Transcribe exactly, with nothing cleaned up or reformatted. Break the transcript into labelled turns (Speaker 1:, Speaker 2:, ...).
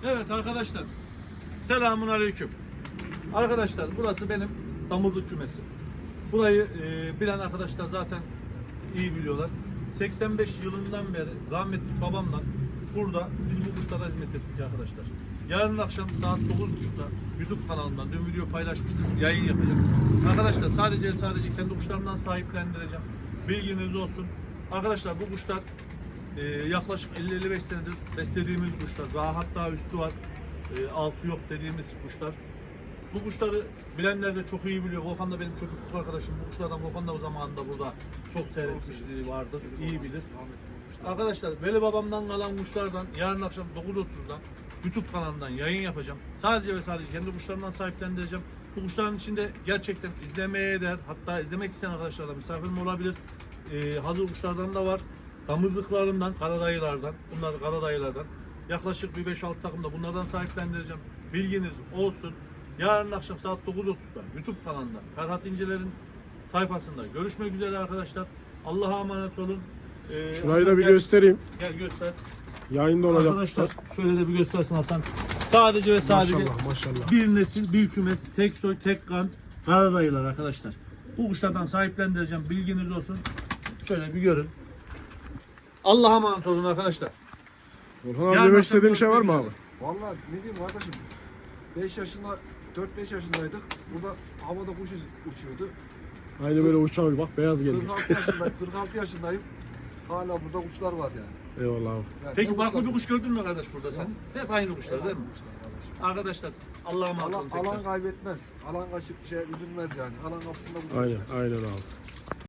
Speaker 1: Evet arkadaşlar, selamun aleyküm. Arkadaşlar burası benim damızlık kümesi. Burayı e, bilen arkadaşlar zaten iyi biliyorlar. seksen beş yılından beri rahmetli babamla burada biz bu kuşlara hizmet ettik arkadaşlar. Yarın akşam saat dokuz buçukta YouTube kanalından dün video paylaşmıştım, yayın yapacağım. Arkadaşlar sadece sadece kendi kuşlarımdan sahiplendireceğim. Bilginiz olsun. Arkadaşlar bu kuşlar e, yaklaşık elli elli beş senedir beslediğimiz kuşlar. Daha hatta üstü var. E, altı yok dediğimiz kuşlar. Bu kuşları bilenler de çok iyi biliyor. Volkan da benim çocukluk arkadaşım. Bu kuşlardan Volkan da o zamanında burada çok seyretmişliği vardır. İyi bilir. Arkadaşlar Veli babamdan kalan kuşlardan yarın akşam dokuz otuzda YouTube kanalından yayın yapacağım. Sadece ve sadece kendi kuşlarımdan sahiplendireceğim. Bu kuşların içinde gerçekten izlemeye değer. Hatta izlemek isteyen arkadaşlar da misafirim olabilir. Ee, hazır kuşlardan da var. Damızlıklarımdan, karadayılardan. Bunlar karadayılardan. Yaklaşık bir beş altı takımda bunlardan sahiplendireceğim. Bilginiz olsun. Yarın akşam saat dokuz otuzda YouTube kanalında Ferhat İnceler'in sayfasında görüşmek üzere arkadaşlar. Allah'a emanet olun. Ee,
Speaker 2: Şurayı da bir
Speaker 1: gel,
Speaker 2: göstereyim.
Speaker 1: Gel göster.
Speaker 2: Yayında olacak.
Speaker 1: Arkadaşlar şöyle de bir göstersin Hasan. Sadece ve sadece
Speaker 2: Maşallah maşallah.
Speaker 1: bir nesil, bir kümes, tek soy, tek kan karadayılar arkadaşlar. Bu kuşlardan sahiplendireceğim. Bilginiz olsun. Şöyle bir görün. Allah'a emanet olun arkadaşlar.
Speaker 2: Volkan abi
Speaker 1: Yarın
Speaker 2: demek
Speaker 1: akşam
Speaker 2: istediğin bir şey var mı abi?
Speaker 1: görüşmek
Speaker 3: Vallahi ne diyeyim kardeşim, beş yaşında, dört beş yaşındaydık. Burada havada kuş uçuyordu.
Speaker 2: Aynı böyle uçağı bak beyaz geldi.
Speaker 3: kırk altı yaşındayım, kırk altı yaşındayım. Hala burada kuşlar var yani.
Speaker 2: Eyvallah abi.
Speaker 3: Yani
Speaker 1: Peki
Speaker 3: ne
Speaker 1: farklı
Speaker 3: kuşlar-
Speaker 1: bir kuş gördün mü kardeş burada sen?
Speaker 3: Yok.
Speaker 1: Hep aynı kuşlar değil mi?
Speaker 3: Kuşlar kardeşim.
Speaker 1: Arkadaşlar Allah'a emanet
Speaker 3: Alan,
Speaker 1: olun tekrar.
Speaker 3: alan kaybetmez. Alan kaçıp şey üzülmez yani. Alan kapısında kuş.
Speaker 2: Aynen
Speaker 3: bekler.
Speaker 2: aynen abi.